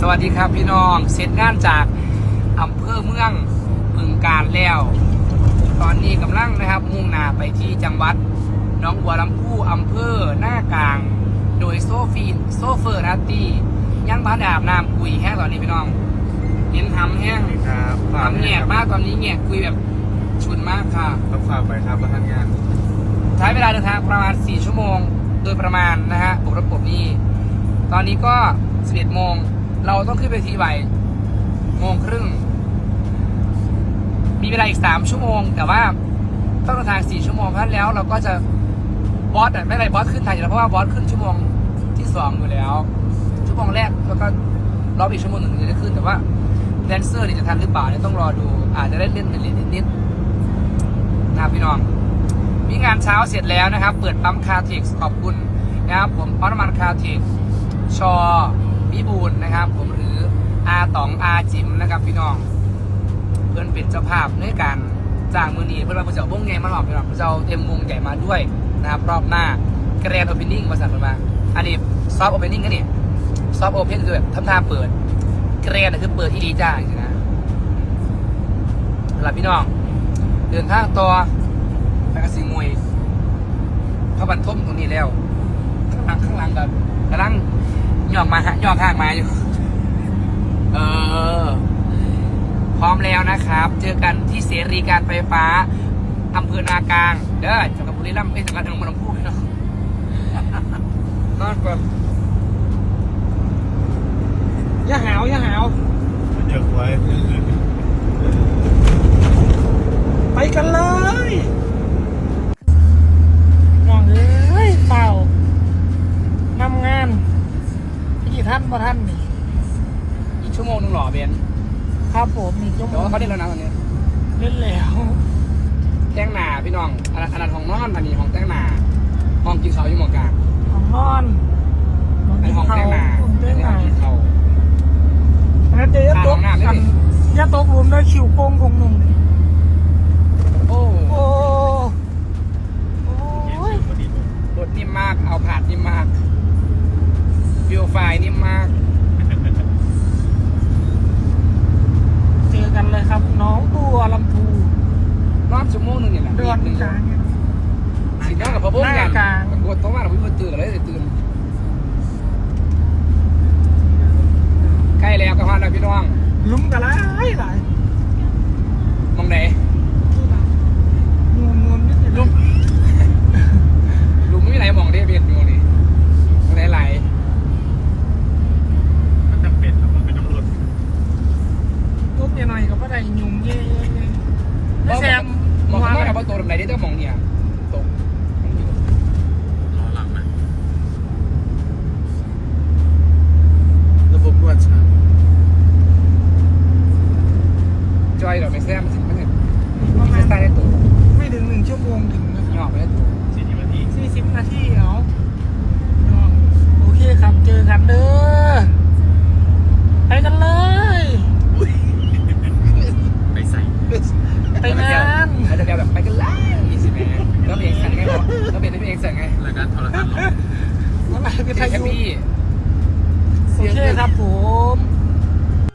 วัสดีครับพี่น้องเสร็จงานจากอำเภอเมืองบึงกาฬแล้วตอนนี้กำลังนะครับมุ่งหน้าไปที่จังหวัดหนองบัวลำพูอำเภอหน้ากลางโดยโซเฟอร์นาตียังบ้านอาบน้ำกุยแห้งตอนนี้พี่น้องเห็นทำแห้งครับทำแงกมากตอนนี้แงกคุยแบบฉุนมากค่ะต้องฝากไปครับประธานงานใช้เวลาเดินทางประมาณ4 ชั่วโมงโดยประมาณนะฮะบวกรถผมนี่ตอนนี้ก็11 โมงเราต้องขึ้นไปที่บ่าย1 โมงครึ่งมีเวลาอีก3 ชั่วโมงแต่ว่าต้องเดินทาง4 ชั่วโมงเพราะฉะนั้นแล้วเราก็จะบอสไม่ไรบอสขึ้นทันอยู่แล้วเพราะว่าบอสขึ้นชั่วโมงที่2อยู่แล้วชั่วโมงแรกแล้วก็รอบอีกชั่วโมงหนึ่งถึงจะได้ขึ้นแต่ว่าแดนเซอร์นี่จะทันหรือเปล่าเนี่ยต้องรอดูอาจจะได้เล่นนิดนะครับพี่น้องมีงานเช้าเสร็จแล้วนะครับเปิดปั๊มคาร์ทิกขอบคุณนะครับผมปั๊มน้ำมันคาร์ทิกชอพิบูลนะครับผมหรืออาต๋องอาจิมนะครับพี่น้องเพื่อนเป็นเจ้าภาพในการจ้างมือนีเพื่อนมาเพื่อจะเอาวงใหญ่มาหลอกพี่น้องเพื่อจะเอาเต็มวงใหญ่มาด้วยนะครับรอบหน้าแกรนด์โอเพนนิ่งมาสั่งมาอันนี้ซอฟต์โอเพนนิ่งกันนี่ซอฟต์โอเพนคือแบบทำท่าเปิดแกรนด์คือเปิดที่ดีจ้าจริงๆนะสำหรับพี่น้องเดินทางต่อไปกระสีมวยเข้าบันทมตรงนี้แล้วข้างหลังแบบกำลังย่องข้างมาอยู่พร้อมแล้วนะครับเจอกันที่เสรีการไฟฟ้าอำเภอนากลางเด้อจังหวัดบุรีรัมย์จังหวัดหนองบัวลำพูเนาะนอนก่อนอย่าหาวเดี๋ยวไว้ไปกันเลยน้องเฝ้านำงานกี่ท่านบ่ท่านนี่อีกชั่วโมงนึงหรอเบนครับผมมีชั่วโมแต่งว่าเขาเล่นแล้วนะตอนนี้เล่นแล้วแต่งหนาพี่น้องอันนั้นห้องนอนอันนี้ห้องแต่งหนาห้องกินข้าวอยู่หมองกลางของนอนอันนี้ห้องแต่งหนาห้องแต่งหนากินข้าวแล้วเจ๊ยะตกข้างห้องน้ำด้วยดิยะตกหลุมได้คิวโป้งของหนุ่มโอ้โอ้โอ้ยรถนิ่มมากเอาผาดนิ่มมากวิวไฟนิ่มมากเจอกันเลยครับน้องบัวลำพูรอบชั่วโมงนึงเนี่ยแหละเดือนหนึ่งกลางสีน้องกับพ่อบุ้งหกัน้านกลางกดต้องมาเราพี่ตื่นกันเลยตื่นใกล้แล้วกับพานแล้วพี่น้องลุ้มกันหลายมองไหนนวลนิดนึงลุงไม่ไหลมองได้เบียดอยู่นี่ไหลมันจำเป็นครับมันเป็นต้องรถตุ๊บหน่อยก็บ่ได้ยุ่มเย่ๆแซมมองไม่ได้ว่าตัวไหนได้ต้องมองเนี่ยตกล้อหลังนะระบบนวดชาจอยเราไม่แซ่บมันไม่ประมาไม่ณใส่ได้ตัวไม่ถึง1 ชั่วโมงถึงนะหยอกไปได้ตัว 40 นาที 40 นาทีเอาโอเคครับเจอกันเด้อไปกันเลยไปใส่ไปงานเขาจะแบบไปกันเลยนี่สิแม่แล้วเพลงสั่งไงบอกแล้วเพลงเพลงสั่งไงรายการโทรทัศน์หรออะไรเพเป็นลไทงยแฮปยูปี้โอเคครับผม